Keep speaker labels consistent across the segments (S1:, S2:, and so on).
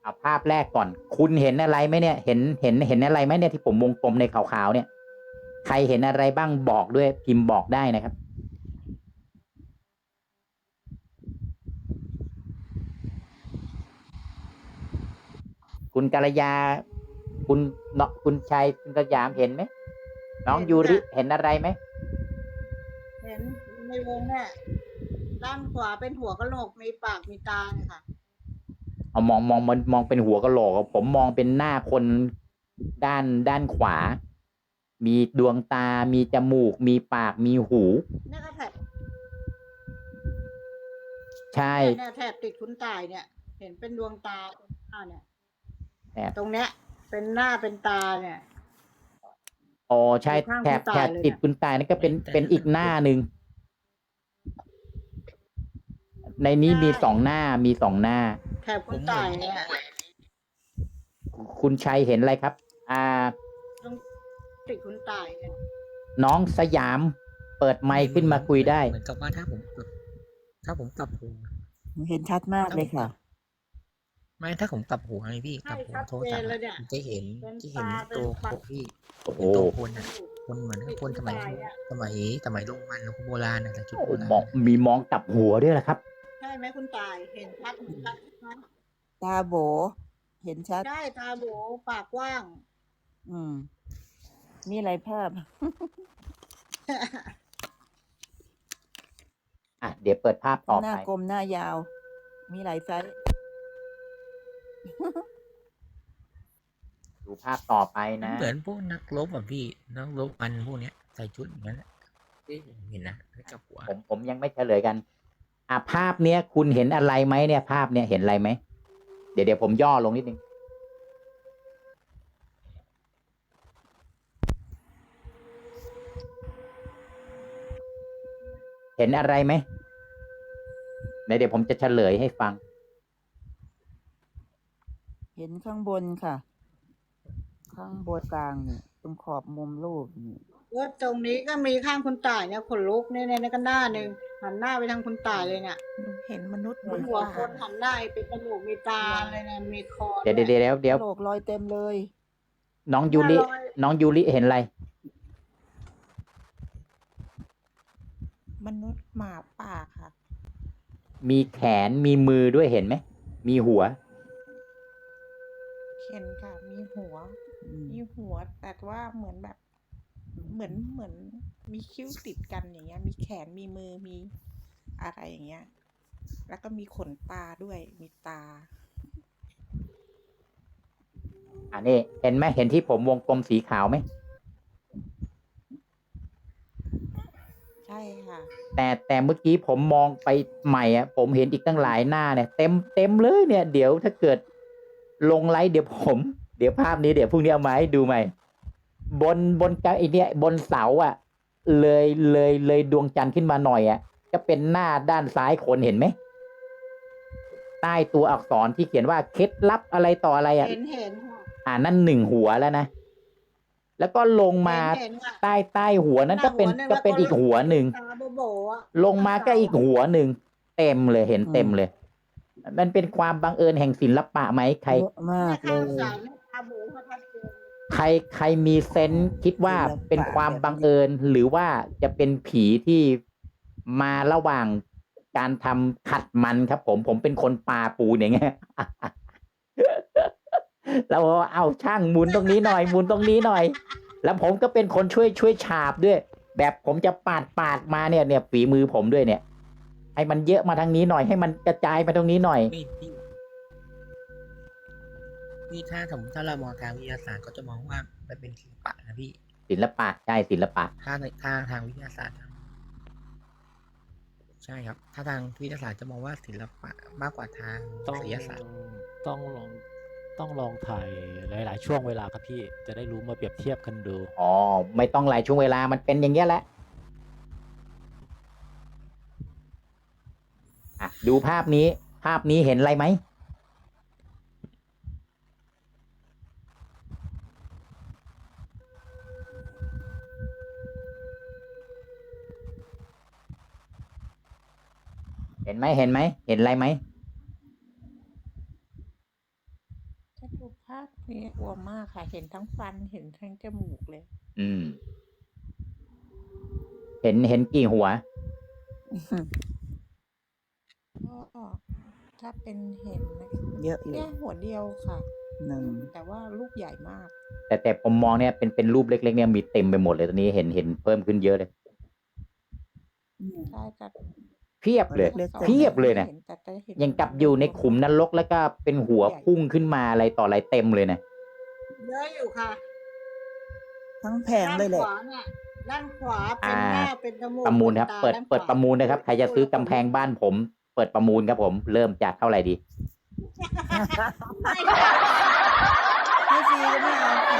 S1: เอาภาพแรกก่อนคุณเห็นอะไรไหมเนี่ยเห็นอะไรไหมเนี่ยที่ผมวงกลมในขาวๆเนี่ยใครเห็นอะไรบ้างบอกด้วยพิมพ์บอกได้นะครับคุณกัลยาคุณเนาะคุณชัยคุณสยามเห็นไหมน้อง
S2: เห็น
S1: ยูริ
S2: ค่ะ
S1: เห็นอะไรไหม
S2: เห็นในวงเนี่ยด้านขวาเป็นหัวกะโหลกมีปากมีตาเนี่ยค่ะ
S1: เอามองเป็นหัวกะโหลกผมมองเป็นหน้าคนด้านขวามีดวงตามีจมูกมีปากมีหู
S2: เนี่ยก็แถบ
S1: ใช่
S2: เนี่ยแถบติดคุณตายเนี่ย เห็นเป็นดวงตาตรงหน้าเนี่ย
S1: แต่
S2: ตรงเนี้ยเป็นหน้าเป็นตาเนี่ย
S1: อ๋อใช่
S2: อยู่ข้าง
S1: แถบ
S2: คุณตายเลย
S1: ติด
S2: เนี่ย
S1: คุณตายนั่นก็
S3: ไม่แต่
S1: เป็นอีกหน้าหนึ่งในนี้
S2: ใช่
S1: มีสองหน้ามีสองหน้า
S2: แถบคุณ
S3: ผมเหมือน
S2: ตายเนี่ย
S1: คุณชัยเห็นอะไรครับ
S2: ต้องติดคุณตายเนี่ย
S1: น้องสยามเปิดไมค์ขึ้นมาคุยได้
S3: เหมือนกับว่าถ้าผมกลับหัว
S4: เห็นชัดมาก
S3: ถ้าผมกลับ
S4: เลยค่ะ
S3: ไม่ถ้าผมกลับหัวไงพี่ก
S2: ใช่
S3: ลับหัว
S2: ชัดเจ
S3: โทรศัพท์
S2: นเลยเนี่ย
S3: จะเห็น
S2: เป็น
S3: จะเห็น
S2: ตาเป็
S3: ตัว
S2: นปาก
S3: พี่
S1: โอ้โห
S3: เห็นตัวคน
S2: จ
S3: อ่ะ
S2: มูก
S3: คนเหมือน
S2: ติดคุณ
S3: คนสมัย
S2: ตายเนี่ย
S3: สมัยสมัยโรมันหรือโบราณนะแต่ชุดโบรา
S1: มอง
S3: ณนะ
S1: มีมองกลับหัวด้วยแหละครับ
S2: ใช่ไหมคุณตายเห็นชัดไหม
S4: ตาโบเห็นชัด
S2: ใช่ตาโบปากกว้าง
S4: อืมมีอะไรภาพ
S1: เดี๋ยวเปิดภาพต่อ
S4: หน้า
S1: ไป
S4: กลมหน้ายาว มีหลายไซส์
S1: ดูภาพต่อไป
S3: มัน
S1: นะ
S3: เหมือนพวกนักรบแบบพี่นักรบมันพวกเนี้ยใส่ชุดอย่างนั้นที่ผมเห็นนะให้กลับหัว
S1: ผมยังไม่เฉลยกันภาพเนี้ยคุณเห็นอะไรไหมเนี่ยภาพเนี้ยเห็นอะไรไหมเดี๋ยวผมย่อลงนิดนึงเห็นอะไรไหมเดี๋ยวผมจะเฉลยให้ฟัง
S4: เห็นข้างบนค่ะ ข้างบนกลางนี่ตรงขอบมุมรูปนี่
S2: ว่าตรงนี้ก็มีข้างคุณต่ายเนี่ยขนลุกเนี่ยก็หน้าหนึ่งหันหน้าไปทางคุณต่ายเลยเนี่ย
S5: หนูเห็นมนุษย์ห
S2: เป็น
S5: มา
S2: หัว
S5: ป่า
S2: คนหันหน้าเป็นจมูกมีตาเลยนะมีคอ
S1: เดี๋ยว
S2: ด้วย
S1: เดี๋ยวเดี๋ยวเดี๋ยว
S4: โลกรอยเต็มเลย
S1: น้อง
S2: หน้า
S1: ยูริ
S2: ลอย
S1: น้องยูริเห็นอะไร
S5: มนุษย์หมาป่าค่ะ
S1: มีแขนมีมือด้วยเห็นไหมมีหัว
S5: เห็นค่ะ มีหัว
S4: อืม
S5: มีหัว แต่ว่าเหมือนแบบ เหมือนมีคิ้วติดกันอย่างเงี้ย มีแขนมีมือมีอะไรอย่างเงี้ย แล้วก็มีขนตาด้วย มีตา
S1: นี่เห็นไหมเห็นที่ผมวงกลมสีขาวไหม
S5: ใช่ค่ะ
S1: แต่เมื่อกี้ผมมองไปใหม่ผมเห็นอีกตั้งหลายหน้าเนี่ยเต็มเลยเนี่ยเดี๋ยวถ้าเกิดลงไลฟ์เดี๋ยวภาพนี้เดี๋ยวพรุ่งนี้เอามาให้ดูใหม่บนไอ้เนี่ยบนเสาเลยดวงจันทร์ขึ้นมาหน่อยก็เป็นหน้าด้านซ้ายคนเห็นไหมใต้ตัวอักษรที่เขียนว่าเคล็ดลับอะไรต่ออะไร
S2: เห็นค่ะ
S1: นั่นหนึ่งหัวแล้วนะแล้วก็ลงมา
S2: เห็นค่ะ
S1: ใต้หัวนั้นก็เป็น
S2: หน้าหัวหนึ่งแล้วก็
S1: อีกหัวหนึ่ง
S2: ตาโบอ่ะ
S1: ลงมาก็อีกหัวหนึ่งเต็มเลยเห็นเต็มเลย มันเป็นความบังเอิญแห่งศิลปะไหมใคร
S4: เยอะมากเล
S2: ข้าง
S4: ย
S2: ซ้ายตาโบเขาชัดเจน
S1: ใครมีเซนส์คิดว่า
S4: ศิลปะ
S1: เป็นความบังเอิญหรือว่าจะเป็นผีที่มาระหว่างการทำขัดมันครับผมเป็นคนปาปูนอย่างเงี้ย แล้วเอาช่างหมุนตรงนี้หน่อยหมุนตรงนี้หน่อย แล้วผมก็เป็นคนช่วยฉาบด้วย แบบผมจะปาดมาเนี่ยฝีมือผมด้วยเนี่ย ให้มันเยอะมาทางนี้หน่อยให้มันกระจายมาตรงนี้หน่อย
S3: พี่ถ้าสมมติถ้าเรามองทางวิทยาศาสตร์ก็จะมองว่ามันเป็นศิลปะนะพี่
S1: ศิลปะใช่ศิลปะ
S3: ถ้าทางวิทยาศาสตร์ใช่ครับ ถ้าทางวิทยาศาสตร์จะมองว่าศิลปะมากกว่าทาง
S6: ต้อง
S3: ศิลปศาสตร์
S6: ต้องลองถ่ายหลายๆช่วงเวลาครับพี่จะได้รู้มาเปรียบเทียบกันดู
S1: ไม่ต้องหลายช่วงเวลามันเป็นอย่างเงี้ยแหละดูภาพนี้เห็นอะไรไหมเห็นไหมเห็นอะไรไหม
S5: นี่กลัวมากค่ะ เห็นทั้งฟันเห็นทั้งจมูกเลย
S1: อืม เห็นกี่หัว
S5: ก็ถ้าเป็นเห็นนะ
S4: เยอะอยู่
S5: แค่หัวเดียวค่ะ
S4: หนึ่ง
S5: แต่ว่าลูกใหญ่มาก
S1: แต่ผมมองเนี่ยเป็นรูปเล็กๆเนี่ยมีเต็มไปหมดเลยตอนนี้เห็นเพิ่มขึ้นเยอะเลย
S5: ใช่แต่
S1: เพียบเลย
S4: เล็กๆ
S1: เพียบเลยนะ
S5: ห็แต่จะเห็น
S1: ยังกับอยู่ในขุมนรกแล้วก็เป็นหัวพุ่งขึ้นมาอะไรต่ออะไรเต็มเลยนะ
S2: เยอะอยู่ค่ะ
S4: ทั้งแผง
S2: ด้าน
S4: เลยแห
S2: ข
S4: ละ
S2: วาเนี่ยด้านขวาเป็นหน้าเป็นจมูก
S1: ประมูลครับ
S2: นตา
S1: เปิด
S2: ด้านขวา
S1: เปิดประมูลนะครับ ใครจะซื้อกำแพงบ้านผม เปิดประมูลครับผม เริ่มจากเท่าไหร่ดี
S2: ไม่ค่ะ
S4: ให้ฟรีก็ไม่เอาค่ะ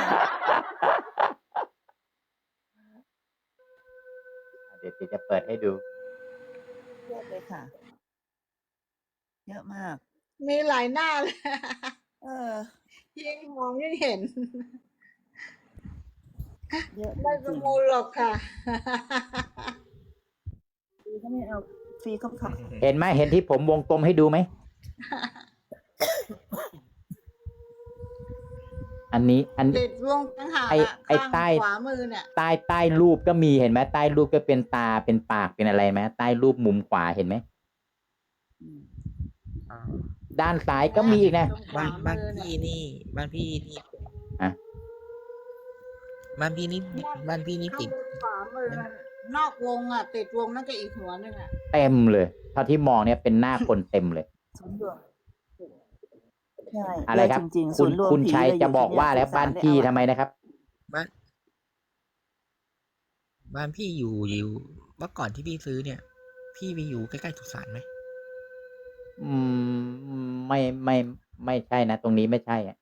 S1: เดี๋ยวจะเปิดให้ดู
S4: เยอะเลยค่ะ เยอะมาก
S2: มีหลายหน้าเลย
S4: เออ
S2: ยิ่งมองยิ่งเห็น
S4: เยอะจ
S2: ไม่ป
S4: ริ
S2: ระ
S4: ง
S2: มูลหรอกค่ะ
S4: ๆฟรีก็ไม่เอาฟรีก็ขับ
S1: เห็นไหมเห็นที่ผมวงกลมให้ดูไหม อันนี้
S2: ติดวงตั้งหาก
S1: ไอ้
S2: อะ
S1: ไอ้
S2: ข้าง
S1: ใต้
S2: ขวามือเนี่ย
S1: ใต้รูปก็มีเห็นไหมใต้รูปก็เป็นตาเป็นปากเป็นอะไรไหมใต้รูปมุมขวาเห็นไหม
S3: อ่า
S1: ด้านซ้ายก็มีอีกนะ
S2: ตรงขว
S3: บ้าน
S2: มือเนี่ย
S3: พี่นี่ บ้านพี่นี่
S1: อะ
S3: บ้านพี่นี่บ้านพี่นี่
S2: ข้า
S3: ติ
S2: ง
S3: ด
S2: บนขวามือน่ะนอกวงอ่ะ ติดวงนั่นก็อีกหัวหนึ่งอ่ะ
S1: เต็มเลยเท่าที่มองเนี่ยเป็นหน้าคนเต็มเลย
S4: ศูนย์รวมใช่
S1: อะไรครับ
S4: เยจริงๆ
S1: คุ
S4: ศู
S1: ณ
S4: นย์รวม
S1: คุณ
S4: ผี
S1: ชัย
S4: เลย
S1: จะ
S4: ยู่
S1: บอก
S4: ที่
S1: ว่า
S4: เนี่ย
S1: แล้ว
S4: สุส
S1: บ้าน
S4: ได้
S1: พี่
S4: เอา
S1: ทำไมนะครับ
S3: บ้านพี่อยู่เมื่อก่อนที่พี่ซื้อเนี่ย พี่ไปอยู่ใกล้ๆสุสานไหม
S1: อืมไม่ใช่นะ ตรงนี้ไม่ใช่อะ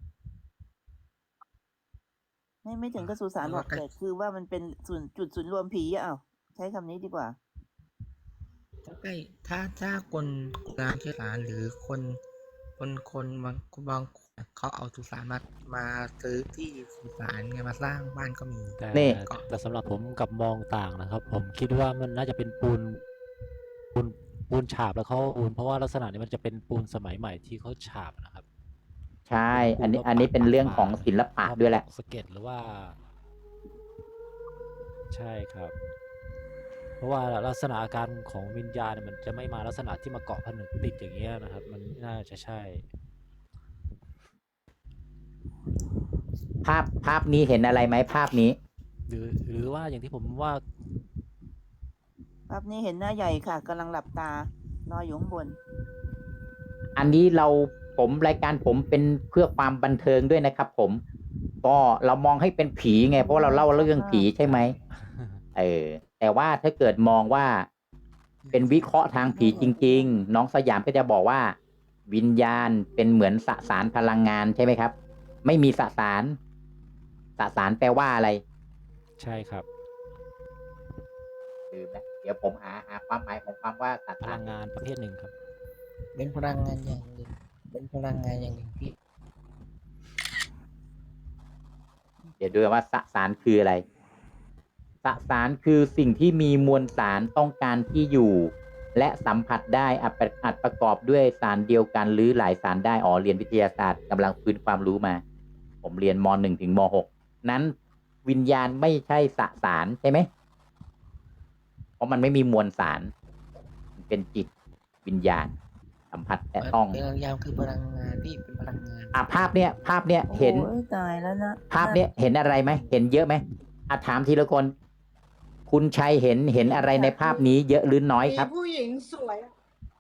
S4: ไม่ถึงกับสุสานหรอกแต่คือว่ามันเป็นจุดศูนย์รวมผีอะเอาใช้คำนี้ดีกว่า
S3: ใกล้ถ้าคนงานที่ศาลหรือคนบางเขาเอาสุสานมาซื้อที่สุสานไงมาสร้างบ้านก็มี
S6: แต่
S1: นี่
S6: แต่สำหรับผมกับมองต่างนะครับ ผมคิดว่ามันน่าจะเป็นปูนฉาบแล้วเขาปูนเพราะว่าลักษณะนี้มันจะเป็นปูนสมัยใหม่ที่เขาฉาบนะครับ
S1: ใช่ อันนี้เป็นเรื่องของศิลปะด้วยแหละ
S6: สเก็ตหรือว่า ใช่ครับ เพราะว่าลักษณะอาการของวิญญาณเนี่ยมันจะไม่มาลักษณะที่มาเกาะผนึกติดอย่างเงี้ยนะครับ มันน่าจะใช่
S1: ภาพนี้เห็นอะไรไหมภาพนี้
S6: หรือว่าอย่างที่ผมว่า
S4: ภาพนี้เห็นหน้าใหญ่ค่ะกำลังหลับตานอนอยู่ข้างบน
S1: อันนี้รายการผมเป็นเพื่อความบันเทิงด้วยนะครับ ผม ก็เรามองให้เป็นผีไง เพราะเราเล่าเรื่องผีใช่ไหมแต่ว่าถ้าเกิดมองว่าเป็นวิเคราะห์ทางผีจริง ๆ น้องสยามก็จะบอกว่า วิญญาณเป็นเหมือนสสารพลังงานใช่ไหมครับ ไม่มีสสารแปลว่าอะไร
S6: ใช่ครับ
S1: ลืมนะเดี๋ยวผมหาความหมายของความว่าส
S6: พ
S1: สา
S6: ลั
S1: ร
S6: งงานประเภทหนึ่งครับ
S3: เป็นพลังงานอย่างหนึ่งเป็นพลังงานอย่างหนึ่งพี่
S1: เดี๋ยวดูว่าสสารคืออะไร สสารคือสิ่งที่มีมวลสารต้องการที่อยู่ และสัมผัสได้อาจประกอบด้วยสารเดียวกันหรือหลายสารได้เรียนวิทยาศาสตร์กำลังฟื้นความรู้มา ผมเรียนม.1 ถึงม.6 นั้นวิญญาณไม่ใช่สสารใช่ไหม เพราะมันไม่มีมวลสารมันเป็นจิตวิญญาณ สัมผัสแต่ต้อง
S3: พลังงานคือพลังงานพี่เป็นพลังงาน
S1: ภาพเนี้ยเห็น
S4: โอ้ยตายแล้วนะ
S1: ภาพเนี้ยเห็นอะไรไหมเห็นเยอะไหมถามทีละคน คุณชัยเห็นอะไรในภาพนี้เยอะหรือน้อยครับ
S2: มีผู้หญิงสวยอะ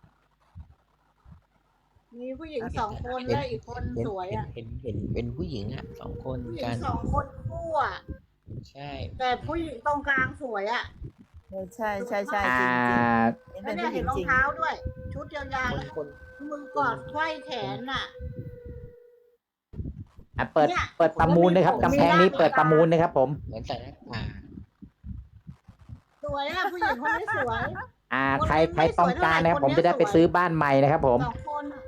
S2: มีผู้หญิงสองคนและอีกคนสวยอ่ะ
S3: เห็นเป็นผู้หญิงอ่ะสองคน
S2: ผู้หญิ
S3: กั
S2: ง
S3: น
S2: สองคนคู่อ่ะ
S3: ใช่
S2: แต่ผู้หญิงตรงกลางสวยอ่ะ
S4: ใช่จริง
S1: อ่า
S4: ๆเห็น
S2: แล้
S4: เป็
S2: วน เนี่ย
S4: ผู้หญิง
S2: เห็นรอ
S4: จ
S2: ง
S4: ริง
S2: เท้าด้วย ชุดยาวๆ
S3: คน
S2: แล้ว
S3: คน
S2: มือกอดไขว้แขนน่ะ
S1: เปิด
S2: เนี่ย
S1: เปิดประมูลนะครับกำแพงนี้เปิดประมูลนะครับผม
S3: เหมือนใส่หน้ากาก
S2: สวยอ่ะผู้หญิงคนนี้สวย
S1: ใครต้องการนะครับผมจะได้ไปซื้อบ้านใหม่นะครับผม
S2: สองคนอะ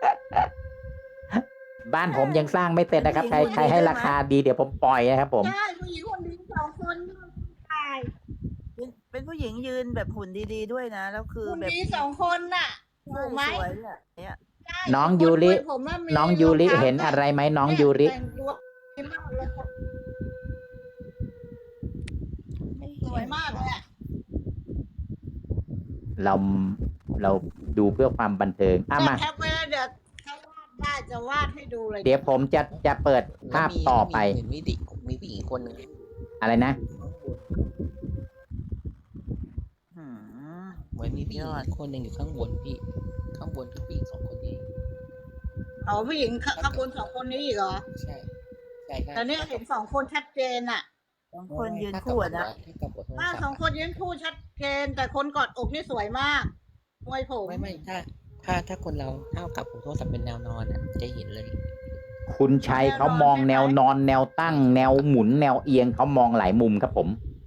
S1: บ้านผมยังสร้างไม่เสร็จนะครับใครให้ราคาดีเดี๋ยวผมปล่อยนะครับผม
S2: ใช่ผู้หญิงคนนี้สองคนตาย
S4: เป็นผู้หญิงยืนแบบหุ่นดีๆด้วยนะ แล้วคือ
S2: คน
S4: แบบ
S2: นี้สองคนน่ะ
S4: ใช่
S2: ถูกไหม
S4: สวยอ่ะเนี่ย
S2: ใช่
S1: น้อง
S2: คน
S1: ยูริ
S2: คุผมว่ามี
S1: น้องยูริ
S2: รองท้า
S1: เห็น
S2: ด้วย
S1: อะไรไหมน้อง
S2: เนี่ย
S1: ยูริ
S2: แต่งตัวดีมากเลย
S5: ไม่
S2: สวยมากเลยอะ
S1: เราเราดูเพื่อความบันเทิงอ่ะ
S2: เนี่ย
S1: มา
S2: แคปไว้แล้วเดี๋ยวถ้าวาดได้จะวาดให้ดูเลย
S1: เดี๋ยวผมจะเปิดภาพต่อไป
S3: เห็นมีผู้หญิงคนหนึ่ง
S1: อะไรนะ
S4: หืม
S3: เหมือนมีผู้หญิงคนหนึ่งอยู่ข้างบนพี่ ข้างบนคือผู้หญิง2 คนนี้
S2: เอาผู้หญิงข้างบน2 คนนี้อีกเหรอ
S3: ใช่ใช่
S2: แต่เนี่ยเห็น2 คนชัดเจนอะ
S4: สองคนยืนคู่อะนะ
S3: ถ้ากับบทโทร
S2: ว่า
S3: ศัพท์
S2: 2 คนยืนคู่ชัดเจน แต่คนกอดอกนี่สวยมากมวยผม
S3: ไม่ถ้าคนเราเท่ากับโทรศัพท์เป็นแนวนอนอ่ะจะเห็นเลย
S1: คุณชัยเขามองแนวนอนแนวตั้ง แนวหมุนแนวเอียงเขามองหลายมุมครับผม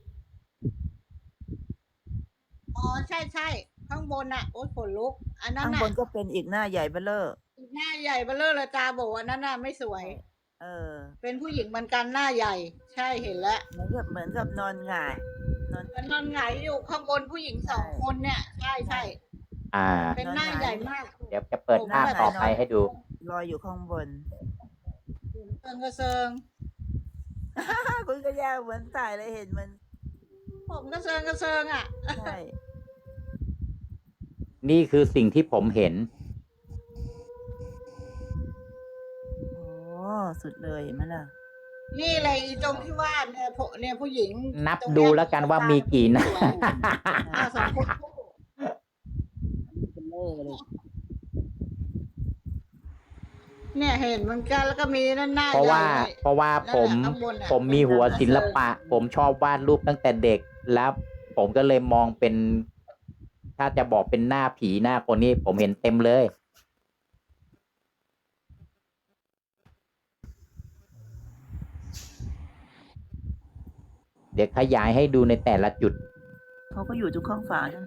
S2: อ๋อใช่ใช่ข้างบนอะโอ๊ยขนลุก อันนั้น
S4: ข้าง
S2: น่ะ
S4: บนก็เป็นอีกหน้าใหญ่เบ้อเร่อ
S2: หน้าใหญ่เบ้อเร่อเลยตาโบอันนั้นน่ะไม่สวย
S4: เออ
S2: เป็นผู้หญิงเหมือนกันหน้าใหญ่ ใช่เห็นแล้ว
S4: เหมือนกับนอนหงายนอน
S2: มันนอนหงายอยู่ข้างบนผู้หญิง
S4: ใช่
S2: 2 คนเนี่ย ใช่ใช่
S1: อ่า
S2: เป็นหน้าใหญ่มาก
S1: เดี๋ยวจะเปิดภาพต่อไปให้ดู
S4: ลอยอยู่ข้างบน
S2: เซิงกระเซิง
S4: คุณก็แย่เหมือนถ่ายเลยเห็นมัน
S2: ผมกระเซิงกระเซิงอ่ะ
S4: ใช่
S1: นี่คือสิ่งที่ผมเห็น
S4: โอ้สุดเลยเห็นไหมล่ะ
S2: นี่เลยอีตรงที่ว่าเนี่ยผู้หญิง
S1: นับ
S2: ตรงเนี้ย
S1: ดูแล้วกันว่ามีกี่หน้า
S2: อ่ะ2 คนคู่เนี่ยเห็นเหมือนกันแล้วก็มีนั่นหน้า
S1: เพราะว่า
S2: ใหญ่เลย
S1: เพราะว่า
S2: นั่น
S1: ผม
S2: แหละข้างบนน่ะ
S1: ผมมีหัวศิลปะ ผมชอบวาดรูปตั้งแต่เด็ก แล้วผมก็เลยมองเป็น ถ้าจะบอกเป็นหน้าผีหน้าคนนี้ ผมเห็นเต็มเลย เดี๋ยวขยายให้ดูในแต่ละจุด
S4: เขาก็อยู่ทุกข้างฝานั่น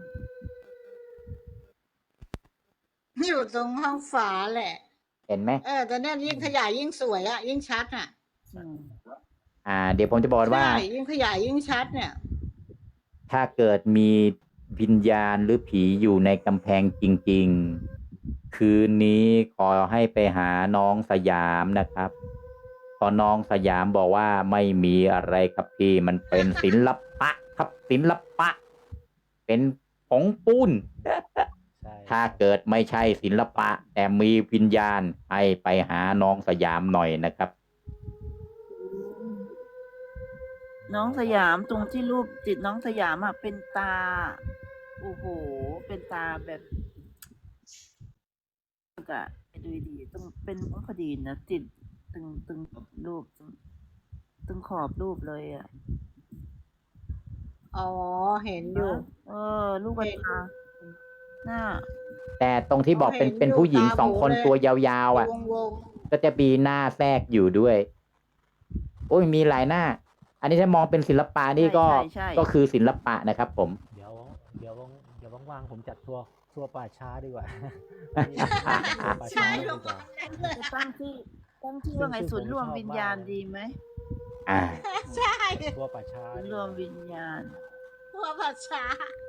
S2: อยู่ตรงห้องฝาแหละ
S1: เห็นไหม
S2: แต่เนี่ยยิ่งขยายยิ่งสวยอ่ะ ยิ่งชัดอ่ะ
S4: อืม
S1: เดี๋ยวผมจะบอกว่า
S2: ใช่ยิ่งขยายยิ่งชัดเนี่ย
S1: ถ้าเกิดมีวิญญาณหรือผีอยู่ในกำแพงจริงๆ คืนนี้ขอให้ไปหาน้องสยามนะครับพอน้องสยามบอกว่าไม่มีอะไรครับพี่มันเป็นศิลปะครับศิลปะ เป็นผงปูน
S6: ใช่
S1: ถ้าเกิดไม่ใช่ศิลปะ แต่มีวิญญาณให้ไปหาน้องสยามหน่อยนะครับ
S4: น้องสยามตรงที่รูปจิตน้องสยามอ่ะเป็นตา โอ้โห เป็นตาแบบกะดูดีต้องเป็นพอดีนะจิตตึงรูปตึงขอบรูปเลยอ่ะ
S2: อ๋อ เห็นอยู่
S4: ลูกกระตาหน้า
S1: แต่ตรงที่บอกเป็น
S2: เห็นอยู่
S1: เป็นผู้หญิง
S2: ตา
S1: 2 คน
S2: โบเลย
S1: ตัวยาวๆอ่ะ
S2: วง
S1: ก็จะมีหน้าแทรกอยู่ด้วย โอ้ยมีหลายหน้า อันนี้ถ้ามองเป็นศิลปะนี่ก็
S4: ใช่
S1: ก็คือศิลปะนะครับผม
S6: เดี๋ยวว่างๆผมจัดทัวร์ป่าช้าดีกว่า ป่า
S2: ๆ
S6: ช้า
S2: ใช่
S6: ดี
S2: ลง
S6: กว่า
S2: เลย
S4: จะตั้งที่ว่าไงศูนย์รวมวิญญาณดีไหม
S1: อ่า
S2: ใช่
S6: ทัวร์ป่าช้า
S4: ศูนย์
S6: ดี
S4: ร
S6: ก
S4: ว
S6: ว่า
S4: มวิญญาณ
S2: พวกผัดช้า